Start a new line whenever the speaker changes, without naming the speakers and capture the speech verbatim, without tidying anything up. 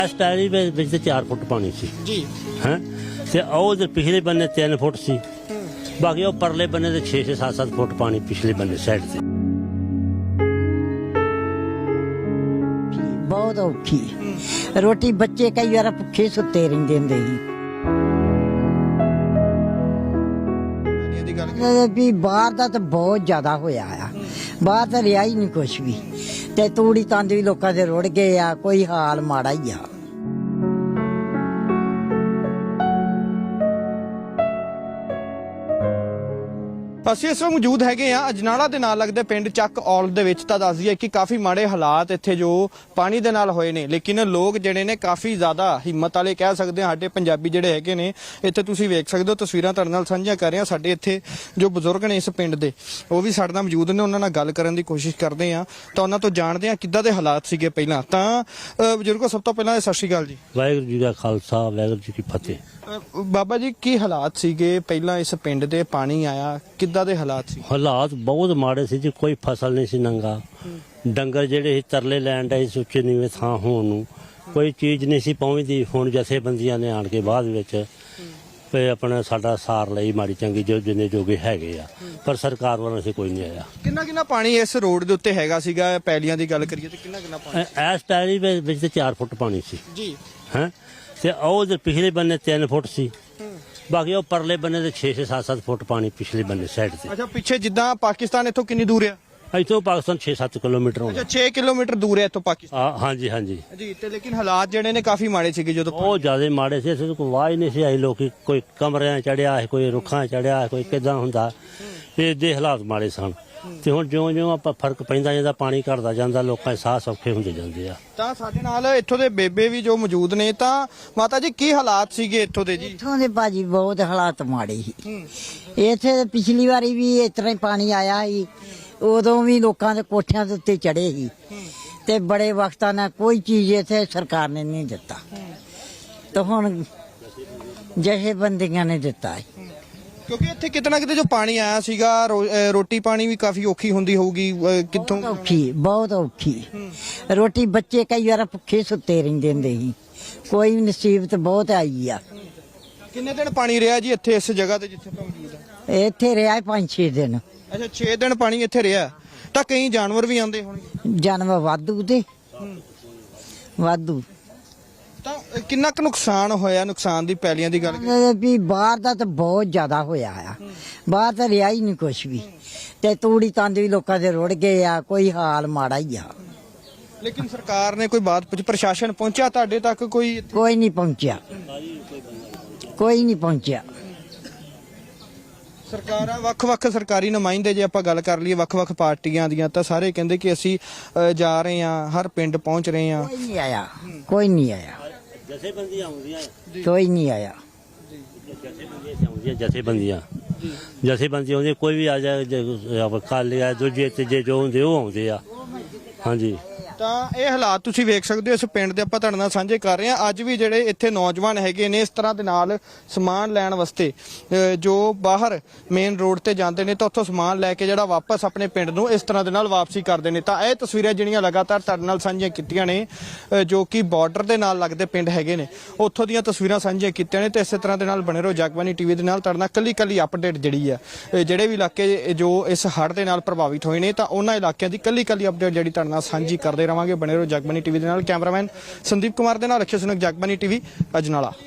इस टायरी ਵਿੱਚ ਚਾਰ ਫੁੱਟ ਪਾਣੀ ਸੀ
ਜੀ
ਹੈ ਤੇ ਉਹ ਦੇ ਪਿਛਲੇ ਬੰਨੇ ਤਿੰਨ ਫੁੱਟ ਸੀ ਬਾਕੀ ਉਹ ਪਰਲੇ ਬੰਨੇ ਤੇ ਛੇ ਛੇ ਸੱਤ ਸੱਤ ਫੁੱਟ ਪਾਣੀ ਪਿਛਲੇ ਬੰਨੇ ਸਾਈਡ ਤੇ
ਬਹੁਤ ਔਖੀ ਰੋਟੀ ਬੱਚੇ ਕਈ ਵਾਰ ਭੁੱਖੇ ਸੁੱਤੇ ਰਹਿੰਦੇ ਹੁੰਦੇ ਸੀ
ਇਹਦੀ ਗੱਲ
ਵੀ ਬਾਹਰ ਦਾ ਤਾਂ ਬਹੁਤ ਜ਼ਿਆਦਾ ਹੋਇਆ ਆ ਬਾਹਰ ਤਾਂ ਰਿਹਾ ਹੀ ਨਹੀਂ ਕੁਛ ਵੀ ਤੇ ਤੂੜੀ ਤੰਦ ਵੀ ਲੋਕਾਂ ਦੇ ਰੁੜ ਗਏ ਆ ਕੋਈ ਹਾਲ ਮਾੜਾ ਹੀ ਆ
ਅਸੀਂ ਇਸ ਵਕਤ ਮੌਜੂਦ ਹੈਗੇ ਆ ਅਜਨਾਲਾ ਦੇ ਨਾਲ ਲੱਗਦੇ ਪਿੰਡ ਚੱਕ ਔਲ ਦੇ ਵਿੱਚ। ਤਾਂ ਦੱਸ ਦਈਏ ਕਿ ਕਾਫੀ ਮਾੜੇ ਹਾਲਾਤ ਇੱਥੇ ਜੋ ਪਾਣੀ ਦੇ ਨਾਲ ਹੋਏ ਨੇ, ਲੇਕਿਨ ਲੋਕ ਜਿਹੜੇ ਨੇ ਕਾਫੀ ਜ਼ਿਆਦਾ ਹਿੰਮਤ ਵਾਲੇ ਕਹਿ ਸਕਦੇ ਆ। ਸਾਡੇ ਪੰਜਾਬੀ ਜਿਹੜੇ ਹੈਗੇ ਨੇ ਇੱਥੇ ਤੁਸੀਂ ਵੇਖ ਸਕਦੇ ਹੋ, ਤਸਵੀਰਾਂ ਤੁਹਾਡੇ ਨਾਲ ਸਾਂਝੀਆਂ ਕਰ ਰਹੇ ਆ। ਸਾਡੇ ਇੱਥੇ ਜੋ ਬਜ਼ੁਰਗ ਨੇ ਇਸ ਪਿੰਡ ਦੇ ਉਹ ਵੀ ਸਾਡੇ ਨਾਲ ਮੌਜੂਦ ਨੇ, ਉਹਨਾਂ ਨਾਲ ਗੱਲ ਕਰਨ ਦੀ ਕੋਸ਼ਿਸ਼ ਕਰਦੇ ਆ ਤਾਂ ਉਹਨਾਂ ਤੋਂ ਜਾਣਦੇ ਆ ਕਿੱਦਾਂ ਦੇ ਹਾਲਾਤ ਸੀਗੇ ਪਹਿਲਾਂ। ਤਾਂ ਬਜ਼ੁਰਗੋ ਸਭ ਤੋਂ ਪਹਿਲਾਂ ਸਤਿ ਸ਼੍ਰੀ ਅਕਾਲ ਜੀ।
ਵਾਹਿਗੁਰੂ ਜੀ ਦਾ ਖਾਲਸਾ ਵਾਹਿਗੁਰੂ ਜੀ ਕੀ ਫਤਿਹ।
ਬਾਬਾ ਜੀ ਕੀ ਹਾਲਾਤ ਸੀਗੇ ਪਹਿਲਾਂ ਇਸ ਪਿੰਡ ਦੇ? ਪਾਣੀ ਆਇਆ ਕਿੱਦਾਂ ਦੇ ਹਾਲਾਤ ਸੀ?
ਹਾਲਾਤ ਬਹੁਤ ਮਾੜੇ ਸੀ ਜੀ, ਕੋਈ ਫਸਲ ਨਹੀਂ ਸੀ ਨੰਗਾ, ਡੰਗਰ ਜਿਹੜੇ ਸੀ ਤਰਲੇ ਲੈਣ ਡਏ ਸੀ ਉੱਚੇ ਨੀਵੇਂ ਥਾਂ ਹੋਣ ਨੂੰ, ਕੋਈ ਚੀਜ਼ ਨਹੀਂ ਸੀ ਪਹੁੰਚਦੀ। ਹੁਣ ਜਥੇਬੰਦੀਆਂ ਨੇ ਆਣ ਕੇ ਬਾਅਦ ਵਿੱਚ ਤੇ ਆਪਣਾ ਸਾਡਾ ਸਾਰ ਲਈ ਮਾੜੀ ਚੰਗੀ ਜੋ ਜਿੰਨੇ ਜੋਗੇ ਹੈਗੇ ਆ, ਪਰ ਸਰਕਾਰ ਵੱਲੋਂ ਸੇ ਕੋਈ ਨਹੀਂ ਆਇਆ।
ਕਿੰਨਾ ਕਿੰਨਾ ਪਾਣੀ ਇਸ ਰੋਡ ਦੇ ਉੱਤੇ ਹੈਗਾ ਸੀਗਾ? ਪੈਲੀਆਂ ਦੀ ਗੱਲ ਕਰੀਏ ਤੇ ਕਿੰਨਾ ਕਿੰਨਾ ਪਾਣੀ?
ਇਸ ਟਾਇਰੀ ਵਿੱਚ ਤੇ ਚਾਰ ਫੁੱਟ ਪਾਣੀ ਸੀ
ਜੀ
ਹੈ ਤੇ ਉਹ ਦੇ ਪਿਛਲੇ ਬੰਨੇ ਤਿੰਨ ਫੁੱਟ ਸੀ ਬਾਕੀ ਉਹ ਪਰਲੇ ਬੰਨੇ ਤੇ ਛੇ ਛੇ ਸੱਤ ਸੱਤ ਫੁੱਟ ਪਾਣੀ ਪਿਛਲੇ ਬੰਨੇ ਸਾਈਡ ਤੇ।
ਅੱਛਾ, ਪਿੱਛੇ ਜਿੱਦਾਂ ਪਾਕਿਸਤਾਨ ਇੱਥੋਂ ਕਿੰਨੀ ਦੂਰ ਆ?
ਇੱਥੋਂ ਪਾਕਿਸਤਾਨ ਛੇ ਸੱਤ ਕਿਲੋਮੀਟਰ ਹੋਣਾ।
ਅੱਛਾ, ਛੇ ਕਿਲੋਮੀਟਰ ਦੂਰ ਹੈ ਇੱਥੋਂ ਪਾਕਿਸਤਾਨ।
ਆ ਹਾਂਜੀ ਹਾਂਜੀ
ਜੀ, ਤੇ ਲੇਕਿਨ ਹਾਲਾਤ ਜਿਹੜੇ ਨੇ ਕਾਫੀ ਮਾੜੇ ਸੀਗੇ ਜਦੋਂ
ਬਹੁਤ ਜ਼ਿਆਦਾ ਮਾੜੇ ਸੀ। ਅਸੀਂ ਕੋਈ ਵਾਹ ਹੀ ਨਹੀਂ ਸੀ ਆਈ, ਲੋਕੀ ਕੋਈ ਕਮਰਿਆਂ ਚੜਿਆ ਹੈ, ਕੋਈ ਰੁੱਖਾਂ ਚੜਿਆ, ਕੋਈ ਕਿਦਾਂ ਹੁੰਦਾ, ਇਹ ਦੇ ਹਾਲਾਤ ਮਾੜੇ ਸਨ। ਤੇ ਹੁਣ ਜਿਉਂ ਜਿਉਂ ਆਪਾਂ ਫਰਕ ਪੈਂਦਾ ਜਾਂਦਾ, ਪਾਣੀ ਘਟਦਾ ਜਾਂਦਾ, ਲੋਕਾਂ ਦੇ ਸਾਹ ਸੌਖੇ ਹੁੰਦੇ ਜਾਂਦੇ ਆ।
ਤਾਂ ਸਾਡੇ ਨਾਲ ਇੱਥੋਂ ਦੇ ਬੇਬੇ ਵੀ ਜੋ ਮੌਜੂਦ ਨੇ। ਤਾਂ ਮਾਤਾ ਜੀ ਕੀ ਹਾਲਾਤ ਸੀਗੇ ਇੱਥੋਂ ਦੇ ਜੀ?
ਇੱਥੋਂ ਦੇ ਭਾਜੀ ਬਹੁਤ ਹਾਲਾਤ ਮਾੜੇ ਸੀ ਇੱਥੇ। ਪਿਛਲੀ ਵਾਰੀ ਵੀ ਇਸ ਤਰ੍ਹਾਂ ਹੀ ਪਾਣੀ ਆਇਆ ਸੀ, ਉਦੋਂ ਵੀ ਲੋਕਾਂ ਦੇ ਕੋਠਿਆਂ ਦੇ ਉੱਤੇ ਚੜੇ ਸੀ ਤੇ ਬੜੇ ਵਕਤਾਂ ਨਾਲ ਕੋਈ ਚੀਜ਼ ਇੱਥੇ ਸਰਕਾਰ ਨੇ ਨਹੀਂ ਦਿੱਤਾ, ਤੇ ਹੁਣ ਜਥੇਬੰਦੀਆਂ ਨੇ ਦਿੱਤਾ ਹੈ।
ਕਿਉਂਕਿ ਇੱਥੇ ਕਿਤਨਾ ਕਿਤੇ ਜੋ ਪਾਣੀ ਆਇਆ ਸੀਗਾ ਰੋ- ਅਹ ਰੋਟੀ ਪਾਣੀ ਵੀ ਕਾਫੀ ਔਖੀ ਹੁੰਦੀ ਹੋਊਗੀ, ਅਹ ਕਿੱਥੋਂ?
ਬਹੁਤ ਔਖੀ ਬਹੁਤ ਔਖੀ ਰੋਟੀ ਬੱਚੇ ਕਈ ਵਾਰ ਭੁੱਖੇ ਸੁੱਤੇ ਰਹਿੰਦੇ ਹੁੰਦੇ ਸੀ, ਕੋਈ ਨਸੀਬਤ ਬਹੁਤ ਆਈ ਆ।
ਕਿੰਨੇ ਦਿਨ ਪਾਣੀ ਰਿਹਾ ਜੀ ਇੱਥੇ ਇਸ ਜਗ੍ਹਾ ਤੇ ਜਿੱਥੇ ਆਪਾਂ ਮੌਜੂਦ ਆ?
ਇੱਥੇ ਰਿਹਾ ਪੰਜ ਛੇ ਦਿਨ।
ਅੱਛਾ, ਛੇ ਦਿਨ ਪਾਣੀ ਇੱਥੇ ਰਿਹਾ। ਤਾਂ ਕਈ ਜਾਨਵਰ ਵੀ ਆਉਂਦੇ ਹੋਣਗੇ?
ਜਾਨਵਰ ਵਾਧੂ ਤੇ ਵਾਧੂ।
ਤਾਂ ਕਿੰਨਾ ਕੁ ਨੁਕਸਾਨ ਹੋਇਆ? ਨੁਕਸਾਨ ਦੀ ਪੈਲੀਆਂ ਦੀ ਗੱਲ ਕਰੀਏ
ਵੀ ਬਾਹਰ ਦਾ ਤਾਂ ਬਹੁਤ ਜ਼ਿਆਦਾ ਹੋਇਆ ਆ, ਬਾਹਰ ਤਾਂ ਰਿਹਾ ਹੀ ਨਹੀਂ ਕੁਛ ਵੀ ਤੇ ਤੂੜੀ ਤੰਦ ਵੀ ਲੋਕਾਂ ਦੇ ਰੁੜ ਗਏ ਆ, ਕੋਈ ਹਾਲ ਮਾੜਾ ਹੀ ਆ।
ਲੇਕਿਨ ਸਰਕਾਰ ਨੇ ਕੋਈ ਬਾਤ ਪੁੱਛ, ਪ੍ਰਸ਼ਾਸਨ ਪਹੁੰਚਿਆ ਤੁਹਾਡੇ ਤੱਕ? ਕੋਈ ਇੱਥੇ?
ਕੋਈ ਨਹੀਂ ਪਹੁੰਚਿਆ, ਕੋਈ ਨਹੀਂ ਪਹੁੰਚਿਆ।
ਸਰਕਾਰਾਂ ਵੱਖ-ਵੱਖ ਸਰਕਾਰੀ ਨੁਮਾਇੰਦੇ ਜੇ ਆਪਾਂ ਗੱਲ ਕਰ ਲਈਏ ਵੱਖ-ਵੱਖ ਪਾਰਟੀਆਂ ਦੀਆਂ, ਤਾਂ ਸਾਰੇ ਕਹਿੰਦੇ ਕਿ ਅਸੀਂ ਅ, ਜਾ ਰਹੇ ਹਾਂ, ਹਰ ਪਿੰਡ ਪਹੁੰਚ ਰਹੇ ਹਾਂ।
ਕੋਈ ਨਹੀਂ ਆਇਆ, ਕੋਈ ਨਹੀਂ ਆਇਆ,
ਜਥੇਬੰਦੀਆਂ ਆਉਂਦੀਆਂ
ਕੋਈ ਨਹੀਂ ਆਇਆ।
ਜਥੇਬੰਦੀਆਂ ਜਥੇਬੰਦੀਆਂ ਜਥੇਬੰਦੀਆਂ ਆਉਂਦੀਆਂ, ਕੋਈ ਵੀ ਆ ਜਾਏ, ਕਾਲੇ ਆ ਦੂਜੇ ਤੀਜੇ ਜੋ ਹੁੰਦੇ ਉਹ ਆਉਂਦੇ ਆ। ਹਾਂਜੀ,
ਤਾਂ ਇਹ ਹਾਲਾਤ ਤੁਸੀਂ ਵੇਖ ਸਕਦੇ ਹੋ ਇਸ ਪਿੰਡ ਦੇ, ਆਪਾਂ ਤੁਹਾਡੇ ਨਾਲ ਸਾਂਝੇ ਕਰ ਰਹੇ ਹਾਂ। ਅੱਜ ਵੀ ਜਿਹੜੇ ਇੱਥੇ ਨੌਜਵਾਨ ਹੈਗੇ ਨੇ ਇਸ ਤਰ੍ਹਾਂ ਦੇ ਨਾਲ ਸਮਾਨ ਲੈਣ ਵਾਸਤੇ ਅ, ਜੋ ਬਾਹਰ ਮੇਨ ਰੋਡ ਤੇ ਜਾਂਦੇ ਨੇ ਤਾਂ ਉੱਥੋਂ ਸਮਾਨ ਲੈ ਕੇ ਜਿਹੜਾ ਵਾਪਸ ਆਪਣੇ ਪਿੰਡ ਨੂੰ ਇਸ ਤਰ੍ਹਾਂ ਦੇ ਨਾਲ ਵਾਪਸੀ ਕਰਦੇ ਨੇ। ਤਾਂ ਇਹ ਤਸਵੀਰਾਂ ਜਿਹੜੀਆਂ ਲਗਾਤਾਰ ਤੁਹਾਡੇ ਨਾਲ ਸਾਂਝੀਆਂ ਕੀਤੀਆਂ ਨੇ, ਅ, ਜੋ ਕਿ ਬਾਰਡਰ ਦੇ ਨਾਲ ਲੱਗਦੇ ਪਿੰਡ ਹੈਗੇ ਨੇ, ਉੱਥੋਂ ਦੀਆਂ ਤਸਵੀਰਾਂ ਸਾਂਝੀਆਂ ਕੀਤੀਆਂ ਨੇ। ਤੇ ਇਸੇ ਤਰ੍ਹਾਂ ਦੇ ਨਾਲ ਬਣੇ ਰਹੋ ਜਗਬਾਨੀ ਟੀਵੀ ਦੇ ਨਾਲ, ਤੁਹਾਡੇ ਨਾਲ ਕੱਲੀ ਕੱਲੀ ਅਪਡੇਟ ਜਿਹੜੀ ਆ, ਜਿਹੜੇ ਵੀ ਇਲਾਕੇ ਜੋ ਇਸ ਹੜ੍ਹ ਦੇ ਨਾਲ ਪ੍ਰਭਾਵਿਤ ਹੋਏ ਨੇ ਤਾਂ ਉਹਨਾਂ ਇਲਾਕਿਆਂ ਦੀ ਕੱਲੀ ਕੱਲੀ ਅਪਡੇਟ ਜਿਹੜੀ ਤੁਹਾਡੇ ਨਾਲ ਸਾਂਝੀ ਕਰਦੇ ਰਵਾਂਗੇ। ਬਣੇ ਰਹੋ ਜਗਬਾਨੀ ਟੀਵੀ ਦੇ ਨਾਲ। ਕੈਮਰਾਮੈਨ ਸੰਦੀਪ ਕੁਮਾਰ ਦੇ ਨਾਲ ਅਕਸ਼ੇ ਸੁਨਕ, ਜਗਬਾਨੀ ਟੀਵੀ, ਅਜਨਾਲਾ।